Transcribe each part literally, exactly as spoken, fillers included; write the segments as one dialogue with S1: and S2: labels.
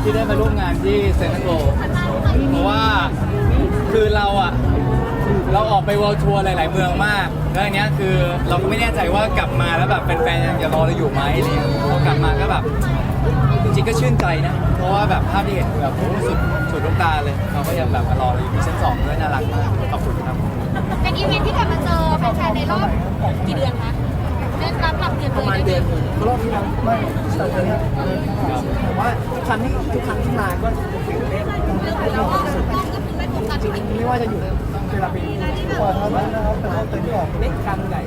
S1: ที่ได้มาร่วมงานที่เซ็นทรัลโวลด์เพราะว่าคือเราอ่ะเราออกไปเวิลด์ทัวร์หลาย ๆ เมืองมากแล้วอันเนี้ยคือเราก็ไม่แน่ใจว่ากลับมาแล้วแบบแฟนๆยังจะรอเราอยู่ไหมอะไรเงี้ยพอกลับมาก็แบบจริงๆก็ชื่นใจนะเพราะว่าแบบภาพที่เห็นคือแบบโอ้สุดสุดลูกตาเลยเขาก็ยังแบบมารอเราอยู่ที่ชั้นสองด้วยน่ารักมากขอบคุณครับ
S2: เป็นอีเวนท์ที่กลับมาเจอแฟนๆในรอบกี่เดือนคะเดือนรับหลับเดือน
S3: ประมาณเดือนหนึ่งรอบที่แล้วไม่สองเดือนแต่ว่าทุกครั้งที่ทุกครั้งที่มาก็ตื่นเต้น
S2: แล้วก็ต้องก็คือไม่โฟกัส
S3: จริงๆไม่ว่าจะอยู่เวลาเป็นกว่าทำนั้นนะครับแต่ว่าเป็นที่ออกเล็กกลางใหญ่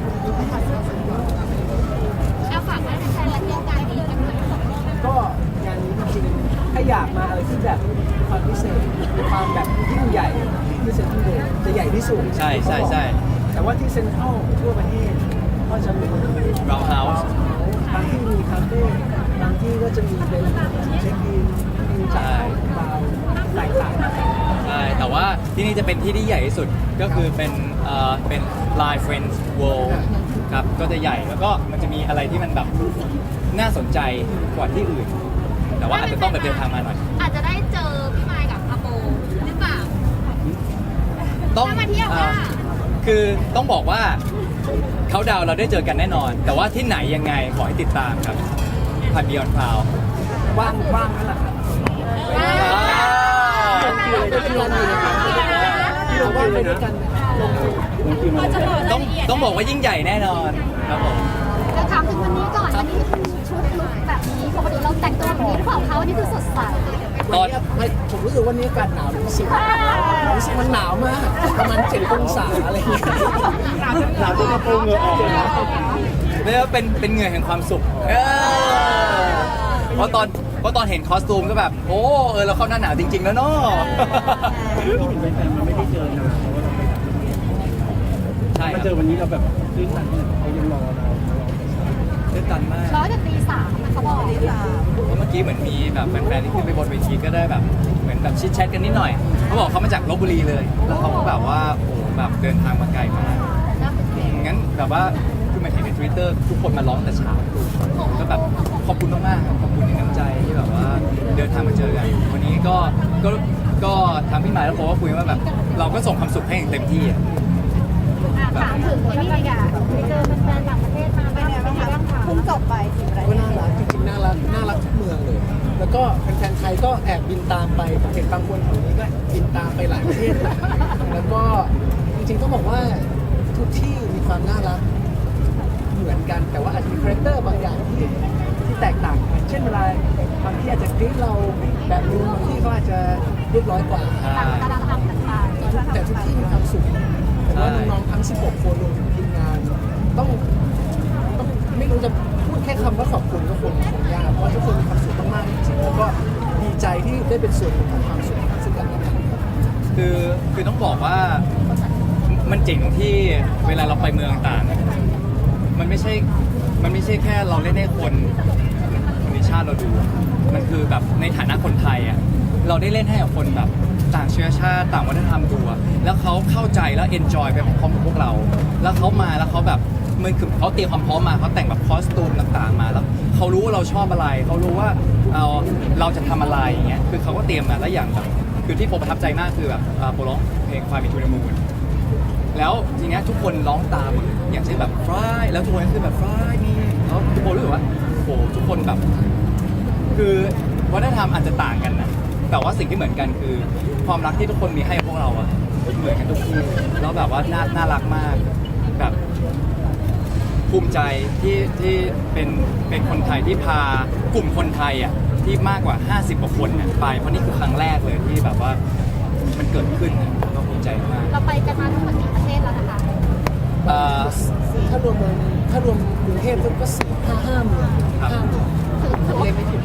S2: เอาฝากไว้แฟนๆและเที่ยวงานนี้กันด้วย
S3: ก็งานนี้จริงๆถ้าอยากมาอะไรที่แบบความพิเศษความแบบยิ่งใหญ่ที่เซ็นทรัลเวิลด์จะใหญ่ที่สุด
S1: ใช่ใช่ใช่
S3: แต่ว่าที่เซ็นทรัลทั่วประเทศก็จะมี
S1: Round House
S3: บางที่มีคาเฟ่บางที่ก็จะมีเป็นเช็คอินมีจัดบาร์แตกต่างกัน
S1: ใช่แต่ว่าที่นี่จะเป็นที่ที่ใหญ่ที่สุดก็คือเป็นเอ่อเป็น Line Friends World ครับก็จะใหญ่แล้วก็มันจะมีอะไรที่มันแบบน่าสนใจกว่าที่อื่น แต่ว่าอาจจะต้องแบบเดินทางมาหน่อย
S2: อาจจะได้เจอพี่มายกับอาโปหรือเปล่า
S1: ต้อง
S2: ถ้ามาเที่ยว
S1: อ่า
S2: ค่ะ
S1: คือต้องบอกว่าเขาดาวน์เราได้เจอกันแน่นอน แต่ว่าที่ไหนยังไงขอให้ติดตามครับผ่าน Beyond Cloud
S3: ว่างว่างนั่นแหละครับที่เรามีนะครับที่เราว่างไปด้วยกันลงทุน
S1: ต้องต้องบอกว่ายิ่งใหญ่แน่นอนครับผม
S2: จะถามถึงวันนี้ก่อนวันนี้ชุดลุคแบบนี้ปกติเราแต่งตัวแบบนี้หรือเปล่าคะวันนี้คือสดใส
S3: วันนี้ไม่ผมรู้สึกว่านี้อากาศหนาวรู้สึกรู้สึกมันหนาวมากประมาณเจ็ดองศาอะไรอย่างเงี้ยหนาวจนกระโปรงเหงื่อออกเลยนะ
S1: เรียกว่าเป็นเป็นเหงื่อแห่งความสุขเออเพราะตอนเพราะตอนเห็นคอสตูมก็แบบ โอ้เออเราเข้าหน้าหนาวจริง ๆ แล้วเนาะ
S4: มันไม่ได้เจอนะ
S1: ใช่ค
S4: มา
S1: รับ
S4: เจอวันนี้เราแบบตื้นตันเขายังรอเรา
S1: ตื่นตันมาก
S2: ร้อยแต่ตีสามนะเขาบอกตีสาม
S1: เพราะเมื่อกี้เหมือนมีแบบแฟนๆที่ขึ้นไปบนเวทีก็ได้แบบเหมือนแบบชิดแชทกันนิดหน่อยเขาบอกเขามาจากลบบุรีเลย แล้วเขาก็แบบว่าโอ้แบบเดินทางมาไกลมากงั้นแบบว่าคือมาเห็นในทวิตเตอร์ทุกคนมาร้องแต่เช้าก็แบบขอบคุณมากๆครับขอบคุณในน้ำใจที่แบบว่าเดินทางมาเจอกันวันนี้ก็ก็ก็ทางพี่หมายแล้วผมก็คุยว่าแบบเราก็ส่งความสุขให้อย่างเต็มที่อะ
S2: ถามถึงไอ้นี่เลยอ่ะไปเจอแฟนๆต่างประเทศมาเป็นไงบ้างคะเพิ่งจบไปสิบราย
S3: ก็น่ารักจริงๆน่ารักน่ารักทุกเมืองเลย แล้วก็แฟนๆไทยก็แอบบินตามไปผมเห็นบางคนแถวนี้ก็บินตามไปหลายประเทศเลยแล้วก็จริงๆต้องบอกว่าทุกที่มีความน่ารักเหมือนกัน แต่ว่าอาจจะมีคาแรคเตอร์บางอย่างที่ที่แตกต่างกันเช่นเวลาบางที่อาจจะกรี๊ดเราแบบนึงบางที่เขาอาจจะเรียบร้อยกว่า
S2: ต่างวัฒนธรรมต่างๆ
S3: แต่ทุกที่มีความสุขแต่ว่าน้องๆทั้ง สิบหก คนรวมถึงทีมงาน ต้องต้องไม่รู้จะพูดแค่คำว่าขอบคุณก็คงคงยากเพราะว่าทุกคนมีความสุขมากๆจริงๆแล้วก็ดีใจที่ได้เป็นส่วนหนึ่งของความสุขซึ่งกันและกัน
S1: คือคือต้องบอกว่ามันเจ๋งตรงที่เวลาเราไปเมืองต่างอะมันไม่ใช่มันไม่ใช่แค่เราเล่นให้คนคนในชาติเราดู มันคือแบบในฐานะคนไทยอ่ะเราได้เล่นให้กับคนแบบต่างเชื้อชาติต่างวัฒนธรรมดูอะแล้วเขาเข้าใจแล้วเอนจอยไปพร้อมกับพวกเรา แล้วเขามาแล้วเขาแบบมันคือเขาเตรียมความพร้อมมาเขาแต่งแบบคอสตูมต่างๆมาแล้วเขารู้ว่าเราชอบอะไรเขารู้ว่าเราเราจะทำอะไรอย่างเงี้ยคือเขาก็เตรียมมาแล้วอย่างแบบคือที่ผมประทับใจมากคือแบบโปรร้องเพลงความมีทูนมูนแล้วทีเนี้ยทุกคนร้องตามอย่างเช่นแบบฟรายแล้วทุกคนก็คือแบบฟรายนี่แล้วทุกคนรู้สึกว่าโอ้ทุกคนแบบคือวัฒนธรรมอาจจะต่างกันนะแต่ว่าสิ่งที่เหมือนกันคือความรักที่ทุกคนมีให้พวกเราอะเหมือนกันทุกที่แล้วแบบว่าน่าน่ารักมากแบบภูมิใจที่ที่เป็นเป็นคนไทยที่พากลุ่มคนไทยอะที่มากกว่าห้าสิบกว่าคนเนี่ยไปเพราะนี่คือครั้งแรกเลยที่แบบว่ามันเกิดขึ้นก็ภูมิใจมาก
S2: เราไปกันมาทั้งหมดกี่ประเทศแล้วนะคะ
S1: เอ่อ
S3: ถ้ารวมเมืองถ้ารวมกรุงเทพก็สี่ห้าห้าเมือง
S1: ครับ
S3: ห้าเมืองผมเลยไม่ผิด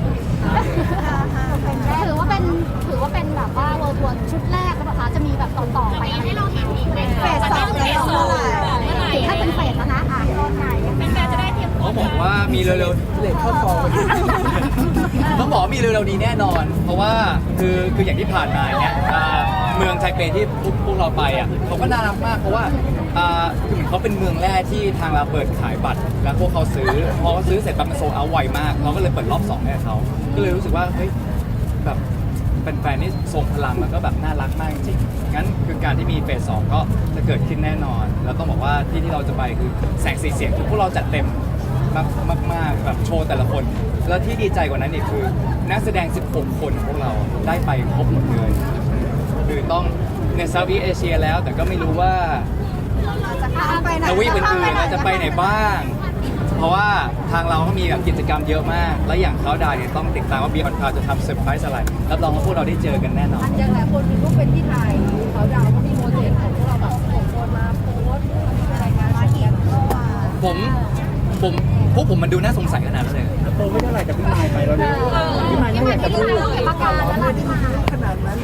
S2: ถือว่าเป็นถือว่าเป็นแบบว่าเวิร์ทัวร์ชุดแรกแล้วนะคะจะมีแบบต่อๆไปให้เราเห็นอีกเฟสสองเฟสสองถึงถ้าเป็นเฟสแล้วนะอ่ะตอนไหนเป็นการจะได้เตรียมตัว
S1: เขาบอกว่ามีเร็ว
S3: เลทเข้าฟอง
S1: ๆต้องบอกว่ามีเร็วๆนี้แน่นอน เพราะว่าคือคืออย่างที่ผ่านมาเนี่ยอ่าเมืองไทเปที่พวกพวกเราไปอ่ะเขาก็น่ารักมากเพราะว่าอ่าคือเหมือนเขาเป็นเมืองแรกที่ทางเราเปิดขายบัตร แล้วพวกเขาซื้อพอเขาซื้อเสร็จปั๊บมันโซลเอาท์ไวมาก เราก็เลยเปิดรอบสองให้เขาก็เลยรู้สึกว่าเฮ้ยแบบเป็นแฟนๆนี่ทรงพลังแล้วก็แบบน่ารักมากจริงๆงั้นคือการที่มีเฟสสองก็จะเกิดขึ้นแน่นอน แล้วต้องบอกว่าที่ที่เราจะไปคือแสงสีเสียงคือพวกเราจัดเต็มมากมากมากแบบโชว์แต่ละคน แล้วที่ดีใจกว่านั้นอีกคือนักแสดง สิบหก คนของพวกเราได้ไปครบหมดเลยคือต้องในเซาท์อีสต์เอเชียแล้วแต่ก็ไม่รู้ว่า
S2: จะข้ามไปไหน
S1: ทวีปอื่นๆเราจะไปไหนบ้าง เพราะว่าทางเราก็มีแบบกิจกรรมเยอะมาก และอย่างเขาดาวเนี่ยต้องติดตามว่า Beyond Cloud จะทำเซอร์ไพรส์อะไรรับรองว่าพวกเราได้เจอกันแน่นอน
S5: อย่างหลายคนมีรูปเป็นที่ไทยเขาดาวก็มีโมเดลของพวกเราแบบส่งคนมาโพสต์รายงานมาเขียนเข้ามา
S1: ผมผมพวกผมมันดูน่าสงสัยขนาดนั้นเลย
S4: โตไม่เท่าไหร่แต่พี่มายไปแล้วเนี่ยพี่มาย
S2: ที่
S4: ไม่
S2: มั
S4: อน ยาก
S2: ที่
S4: จะ
S2: ลู
S4: พู
S2: ก
S4: ด
S2: เราเห็นประกาศแล้วล่ะที่มา
S3: ขนาดนั้น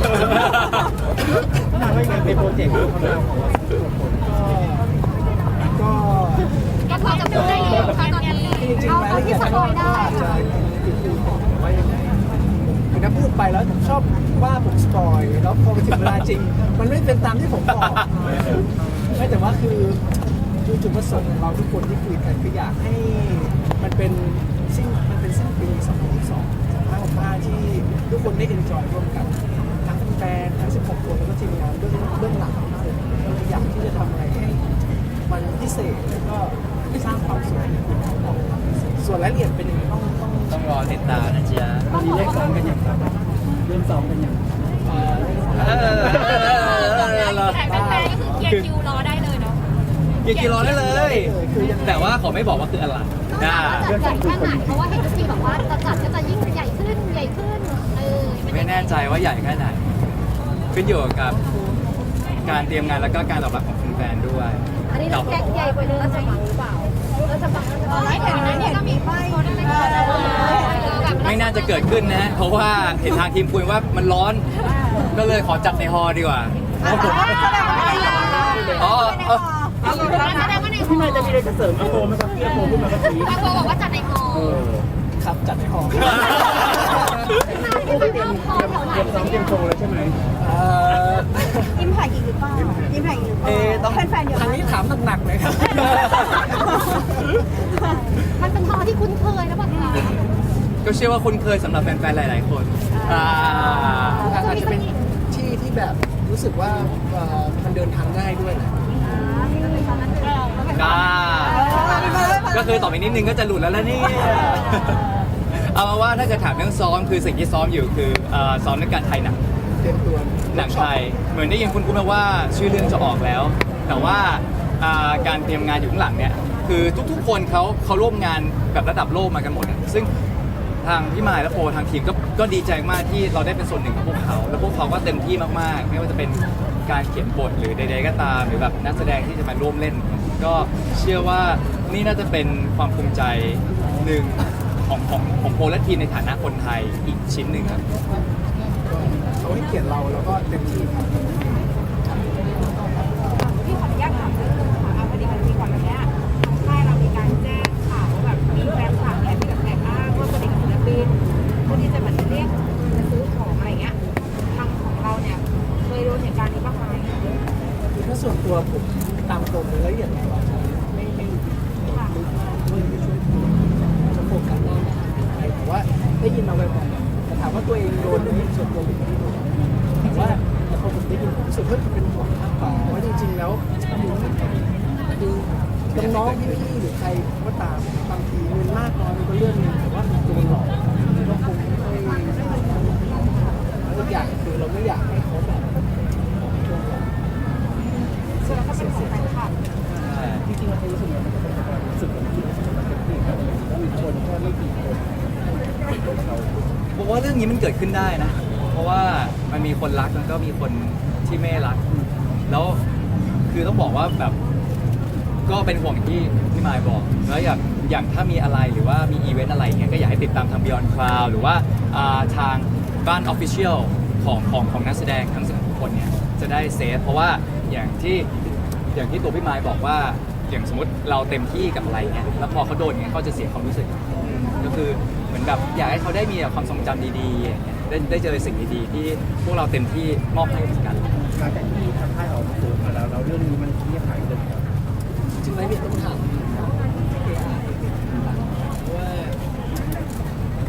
S4: พี่มายว่ายังไงในโปรเจกต์ของเราของเราสิบหกคน
S3: ก็
S2: ก็พอจะพูดได้อยู่ค่ะตอนนี้
S3: จริง
S2: เอา
S3: ๆราย
S2: เอา
S3: ละเอี
S2: ที่
S3: ยด
S2: ส
S3: ก็
S2: ปอยได้
S3: อาจจะติดอยู่แต่ว่ายังไงคือถ้าพูดไปแล้วผมชอบว่าผมสปอยแล้วพอไปถึงเวลาจริง มันไม่เป็นตามที่ผมบอกไม่แต่ว่าคือคือจุดประสงค์ของเราทุกคนที่คุยกันคืออยากให้มันเป็นสิ้นมันเป็นสิ้นปีสองพันยี่สิบสองห้าหกห้าที่ทุกคนได้เอนจอยร่วมกันทั้งแฟนทั้งสิบหกคนแล้วก็ทีมงานเบื้องเบื้องหลังก็เลยอยากที่จะทำอะไรให้มันพิเศษแล้วก็สร้างความสวยส่วนรายละเอียดเป็นยังไงต้องต้อง
S1: ต้องรอติดตามนะจ๊ะ
S4: ตอนนี้เลขซ้อมกันยังครับเริ่มซ้อมกันยัง
S3: เอ่อ
S1: เออ
S2: แต่แฟนๆก็คือเคลียร์คิวรอได้เลยเนาะ
S1: กินกิโลได้เลย แต่ว่าขอไม่บอกว่าคืออะไรนะ
S2: จัดใหญ่แค่ไหนเพราะว่าเห็นทุกทีแบบว่าจะจัดก็จะยิ่งใหญ่ขึ้นใหญ่ขึ้นเออ
S1: ไม่แน่ใจว่าใหญ่แค่ไหน ขึ้นอยู่กับการเตรียมงานแล้วก็การตอบรับของแฟนๆด้วย
S5: อันนี้เราแก๊งใหญ่ไปเลยเราจะบังหรือเปล่าเราจะบังเราจะบัง
S2: ไม่เห็นนะเนี่ยก็มีป้ายได้ไหมแบบ
S1: ไม่น่าจะเกิดขึ้นนะ เพราะว่าเห็นทางทีมคุยว่ามันร้อน ก็เลยขอจัดในฮอลล์ดีกว่า
S2: แสดงว่าในหอ
S1: อ๋อเออ
S2: แสดงว่าในห
S4: พี่
S2: อ
S4: มายจะมีอะไรจะเสริมอาโปไหมครับพี่อาโปขึ้นมาเมื่อกี้
S2: อาโปบอกว่าจัดในหอ
S4: เออ
S3: ครับจัดให้หอม
S2: ที่ไปเริ่มคอแถวไหน
S4: เตรียมซ้อมเตรียมโชว์แล้วใช่ไหม
S3: เอ่อ
S5: ยิ้มถ่ายอีกหรือเปล่ายิ้มถ่ายอีกหรือเปล่า
S3: เอะต้อง
S5: แฟนๆเยอะ
S3: ทางนี้ถามหนักๆเลยครับ
S2: มันเป็นหอที่คุ้นเคยแล้วแบบนี้
S1: ก็เชื่อว่าคุณเคยสำหรับแฟนๆหลาย ๆ คนอ่า
S3: อาจจะเป็นที่ที่แบบรู้สึกว่าเอ่อมันเดินทางง่ายด้วยแหละ
S1: อ่าก็คือต่อไปนิดนึงก็จะหลุดแล้วแล้วเนี่ยเอามาว่าถ้าจะถามเรื่องซ้อมคือสิ่งที่ซ้อมอยู่คือเอ่อซ้อมเรื่องการถ่ายหนัง
S3: เตรียมตัว
S1: หนังไทยเหมือนได้ยินคุณคุณมาว่าชื่อเรื่องจะออกแล้ว แต่ว่าอ่าการเตรียมงานอยู่ข้างหลังเนี่ยคือทุกๆ คนเขาเขาร่วมงานแบบระดับโลกมากันหมดอะซึ่งทางพี่มายและโปทางทีมก็ก็ดีใจมากที่เราได้เป็นส่วนหนึ่งของพวกเขา แล้วพวกเขาก็เต็มที่มากๆ ไม่ว่าจะเป็นการเขียนบทหรือใดๆก็ตามหรือแบบนักแสดงที่จะมาร่วมเล่น ก็เชื่อว่านี่น่าจะเป็นความภูมิใจหนึ่งของของของโปและทีมในฐานะคนไทยอีกชิ้นหนึ่งครับ
S3: เขาให้เกียรติเราแล้วก็เต็มที่ครับ
S5: พี่ขออนุญาตถามเรื่องนึงค่ะเอาพอดีมันมีก่อนหน้านี้ทางค่ายเรามีการแจ้งข่าวว่าแบบมีแฟนคลับเนี่ยที่แบบแอบอ้างว่าตัวเองเป็นศิลปินเพื่อที่จะเหมือนเรียกจะซื้อของอะไรเงี้ยทางของเราเนี่ยเคยโดนเหตุการณ์นี้บ้างไหม
S3: คือถ้าส่วนตัวผมตามตรงเลยละเอียดของเราจะไม่ไม่ไม่ลึกมากไม่ไม่ช่วยพูดจะโฟกัสหน้าอะไรแต่ว่าได้ยินมาบ่อยๆแต่ถามว่าตัวเองโดนไหมส่วนตัวผมไม่ได้โดนแต่ว่าแต่พอผมได้ยินผมรู้สึกว่าเป็นห่วงมากกว่าเพราะว่าจริงๆแล้วคือน้องๆพี่ๆหรือใครก็ตามบางทีเงินมากน้อยมันก็เรื่องหนึงแต่ว่ามันโดนหลอกก็คงไม่ค่อยแล้วอีกอย่างคือเราไม่อยากให้เขาแบบโดนหลอก
S5: ส่วนเราก็เป็นของแฟนคลับ
S4: จริงๆเราเคยรู้สึกว่ามันจะเป็นความรู้สึกของที่มันเป็นที่ครับแล้วมีคนแค่ไม่กี่คนเรา
S1: ผมว่าเรื่องนี้มันเกิดขึ้นได้นะ เพราะว่ามันมีคนรักแล้วก็มีคนที่ไม่รัก แล้วคือต้องบอกว่าแบบก็เป็นห่วงที่พี่มายบอก แล้วอย่างอย่างถ้ามีอะไรหรือว่ามีอีเวนต์อะไรเงี้ยก็อยากให้ติดตามทาง Beyond Cloud หรือว่าอ่าทางบ้าน Official ของของของนักแสดงทั้งสิบคนเนี่ยจะได้เซฟเพราะว่าอย่างที่อย่างที่ตัวพี่มายบอกว่าอย่างสมมติเราเต็มที่กับอะไรเงี้ยแล้วพอเขาโดนเงี้ยเขาจะเสียความรู้สึก ก็คือเหมือนแบบอยากให้เขาได้มีแบบความทรงจำดีๆอย่างเงี้ยได้ได้เจอสิ่งดีๆที่พวกเราเต็มที่มอบให้เหมือนกัน
S4: หลังจากที่ทางค่ายออกมาพูดมาแล้วเราเรื่องนี้มันเงียบหายเลยครับ
S3: จริงๆแล้วเนี่ยต้องถามเพราะว่า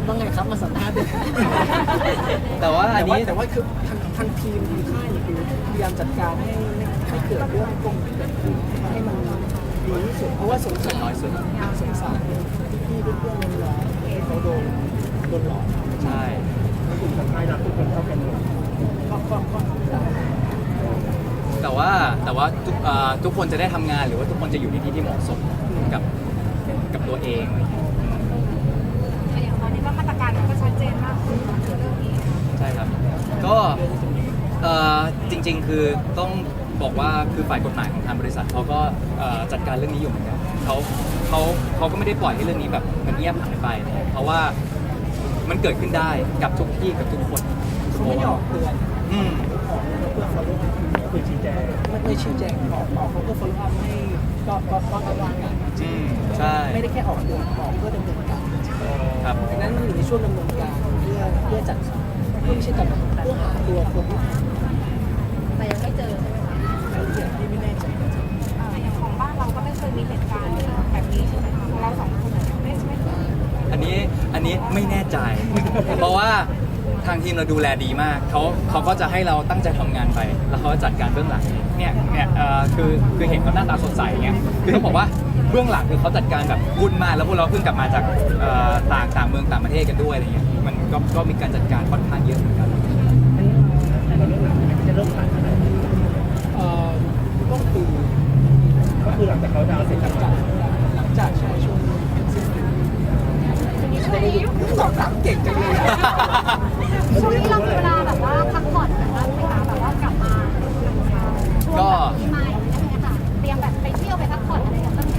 S3: ว่าไงครับมาสัมภาษณ์ด้วย
S1: แต่ว่าอั
S3: แต่
S1: น
S3: ว่า
S1: นี้
S3: แต่ว่าคือทางทางทีมทีมค่ายเนี่ยคือพยายามจัดการให้ไม่ให้เกิดเรื่องตรงนี้เกิดขึ้นให้มันดีที่สุดเพราะว่าสงสาร
S1: น้อยสุด
S3: สงสารพี่ๆเพื่อนๆน้องๆที่เขาโดนโดนหลอก
S1: ใช่
S4: กลุ่มคนไทยรักทุกคนเท่ากันหมด
S3: ก็ก็ก็ได้
S1: แต่ว่าแต่ว่าทุกเอ่อทุกคนจะได้ทำงานหรือว่าทุกคนจะอยู่ในที่ที่เหมาะสมกับกับตัวเองอะไรอย่างเงี้ย
S5: อย่างตอนนี้ก็มาตรการมันก็ชัดเจนมากขึ้นเรื่องนี้
S1: ใช่ครับ ก็เอ่อจริงๆ คือต้องบอกว่าคือฝ่ายกฎหมายของทางบริษัทเขาก็เอ่อจัดการเรื่องนี้อยู่เหมือนกันเขาเขาเขาก็ไม่ได้ปล่อยให้เรื่องนี้แบบมันเงียบหายไป เพราะว่ามันเกิดขึ้นได้กับทุกที่กับทุกคน
S3: เขาไม่ได้ออกเตือน
S1: อืม
S3: ออกเพื่อ follow up
S4: คือชี้แจง
S3: ไม่ไม่ชี้แจงออกออกเขาก็ follow up ให้ก็ก็ก็ระวังกัน
S1: อืมใช่
S3: ไม่ได้แค่ออกเตือนออกเพื่อดำเนินการ
S1: ครับ
S3: ดังนั้นมันอยู่ในช่วงดำเนินการเพื่อเพื่อจัดเพื่อไม่ใช่จัดเพื่อหาตัวคนที่ทำ
S5: แต่ยังไม่เจอใช่ไหมคะ
S3: รายละเอียดที่ไม่แน่ใจจริง
S5: อย่างของบ้านเราก็ไม่เคยมีเหตุการณ์แบบนี้ใช่ไหมคะของเราสองคนไม่ไม่เคย
S1: อันนี้อันนี้ไม่แน่ใจ เพราะว่าทางทีมเราดูแลดีมากเขาเขาก็จะให้เราตั้งใจทำงานไป แล้วเขาก็จัดการเบื้องหลังเองเนี่ยเนี่ยเอ่อคือคือเห็นเขาหน้าตาสดใสเงี้ยคือต้องบอกว่าเบื้องหลังคือเขาจัดการแบบวุ่นมากแล้วพวกเราเพิ่งกลับมาจากเอ่อต่างต่างเมืองต่างประเทศกันด้วยอะไรเงี้ยมันก็ก็มีการจัดการค่อนข้างเยอะเหมือนกัน
S4: แต่เราเรื่องหลังมันจะเริ่มผ่านอะไร
S3: ๆเอ่อต้องปี
S4: ก็คือหลังจากเขาดาวน์เสร็จ
S3: หลังจากหลังจากช่วงช่วงสิ้นปี
S2: ช่วงนี้
S3: ตอบถามเก่งจังเลยอะ
S2: ช่วงนี้เรามีเวลาแบบว่าพักผ่อนแบบว่าไหมคะแบบว่ากลับมาช่วงแบบปีใหม่อะไรอย่างเงี้ยค่ะเตรียมแบบไปเที่ยวไปพักผ่อนอะไรกันบ้างไหม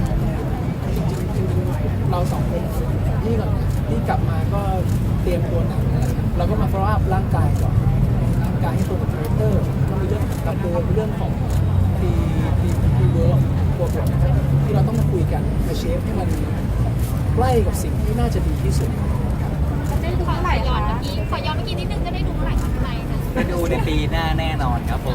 S3: เราสองคนนี่ก่อนนะนี่กลับมาก็เตรียมตัวหนังนั่นแหละครับเราก็มา follow up ร่างกายก่อนร่างกายให้ตัวกับคาแรคเตอร์ก็มีเรื่องกับตัวเรื่องของทีทีทีเวิร์กตัวบทนะครับที่เราต้องมาคุยกันมาเชฟให้มันใกล้กับสิ่งที่น่าจะดีที่สุด
S2: ได้ดูเมื่อไหร่ย้อนเมื่อกี้ขอย้อนเมื่อกี้นิดนึงจะได้ดูเมื่อไหร่คะพี่ไมค์นะ
S1: ไปดูในปีหน้าแน่นอนครับผม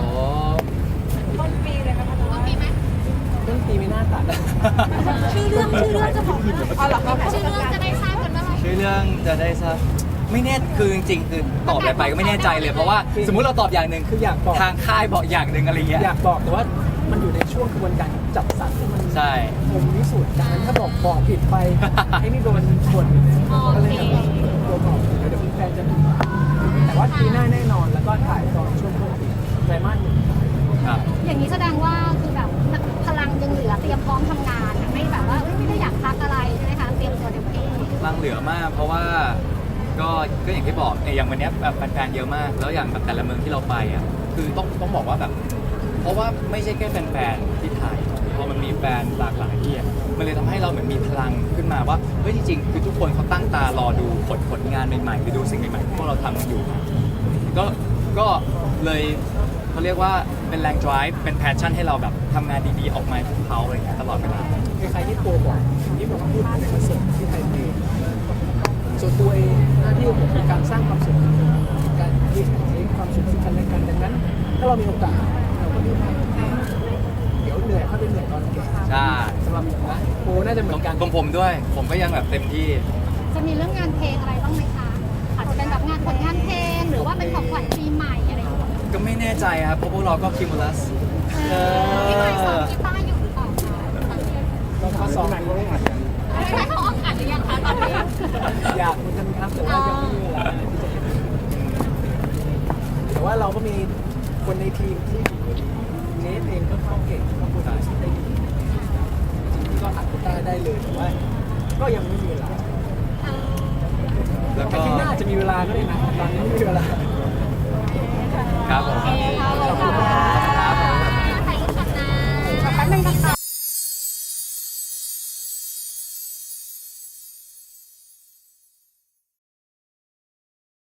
S5: ต้นปีเลยนะคะ
S2: ต้นปีไหม
S3: ต้นปีไม่น่าตัด
S2: ชื่อเรื่องชื่อเรื่องจะบอก
S5: เอาหรอคะ
S2: ชื่อเรื่องจะได้ทราบกันเมื่อไหร่
S1: ชื่อเรื่องจะได้ทราบไม่แน่คือจริงๆคือตอบอะไรไปก็ไม่แน่ใจเลยเพราะว่าสมมุติเราตอบอย่างหนึ่ง
S3: คืออยากบอก
S1: ทางค่ายบอกอย่างหนึ่งอะไรเงี้ย
S3: อยากบอกแต่ว่ามันอยู่ในช่วงกระบวนการจับสัตว์ที่มัน
S1: ใช่
S3: ผมพิสูจน์ดังนั้นถ้าบอกบอกผิดไป ไอ้นี่โดนบ่นก็เลยแบบตัวบอกผิดแล้วเดี๋ยวแฟนจะผิดหวังแต่ว่าปีหน้าแน่นอนแล้วก็ถ่ายตอนช่วงต้นปีไตรมาสหนึ่ง
S1: ครับ
S2: อย่างนี้แสดงว่าคือแบบพลังยังเหลือเตรียมพร้อมทำงานอะไม่แบบว่าเอ้ยไม่ได้อยากพักอะไรใช่ไหมคะเตรียมตัวเต็มที่
S1: ลังเหลือมาก เพราะว่าก็ก็อย่างที่บอกเนี่ยอย่างวันเนี้ยแบบแฟนๆเยอะมาก แล้วอย่างแบบแต่ละเมืองที่เราไปอ่ะคือต้องต้องบอกว่าแบบ เพราะว่าไม่ใช่แค่แฟนๆที่ไทยพอมันมีแฟนหลากหลายที่อะมันเลยทำให้เราเหมือนมีพลังขึ้นมาว่าเฮ้ยจริงๆคือทุกคนเขาตั้งตารอดูผลผลงานใหม่ๆหรือดูสิ่งใหม่ๆที่พวกเราทำกันอยู่ ก็ก็เลยเขาเรียกว่าเป็นแรง drive เป็น passion ให้เราแบบทำงานดีๆออกมาให้พวกเขาอะไรอย่างเงี้ยตลอดเวลา
S3: คล้ายๆที่โปรบอกที่ผมพูดในคอนเสิร์ตที่ไทยเพลงส่วนตัวเองหน้าที่ของผมคือการสร้างความสุขการเรียกความสุขซึ่งกันและกันดังนั้น ถ้าเรามีโอกาสเราก็รีบทำเดี๋ยวเหนื่อยเขาเป็นเหนื่อยตอนแก่
S1: ใช่
S3: สำหรับผมนะโปรน่าจะเหมือนกัน
S1: ของผมด้วย ผมก็ยังแบบเต็มที่
S2: จะมีเรื่องงานเพลงอะไรบ้างไหมคะอาจจะเป็นแบบงานผลงานเพลงหรือว่าเป็นของขวัญปีใหม่อะไรอย่างเงี้ย
S1: ก็ไม่แน่ใจครับ เพราะพวกเราก็คิมูลัส
S2: พี่ไมค์สอนกีตาร์อยู่หรือเปล่าคะ
S3: เราเขาสอน
S4: ไหนก็ไม่อัดกัน
S2: พี่ไมค์เขาออกอัดหรือยังคะตอนนี้
S3: อยากเหมือนกันครับแต่ว่ายังไม่มีเวลาแต่ว่าเราก็มีคนในทีมที่เนสเองก็เขาเก่งเขาพูดภาษาได้ดีจริงๆก็อัดกีตาร์ได้เลยแต่ว่าก็ยังไม่มีเวลา
S1: แล้ว
S3: แต่
S1: ก็
S3: ที่หน้าจะมีเวลาก็ได้นะตอนนี้ไม่มีเวลา
S1: ครับผม
S2: โอเค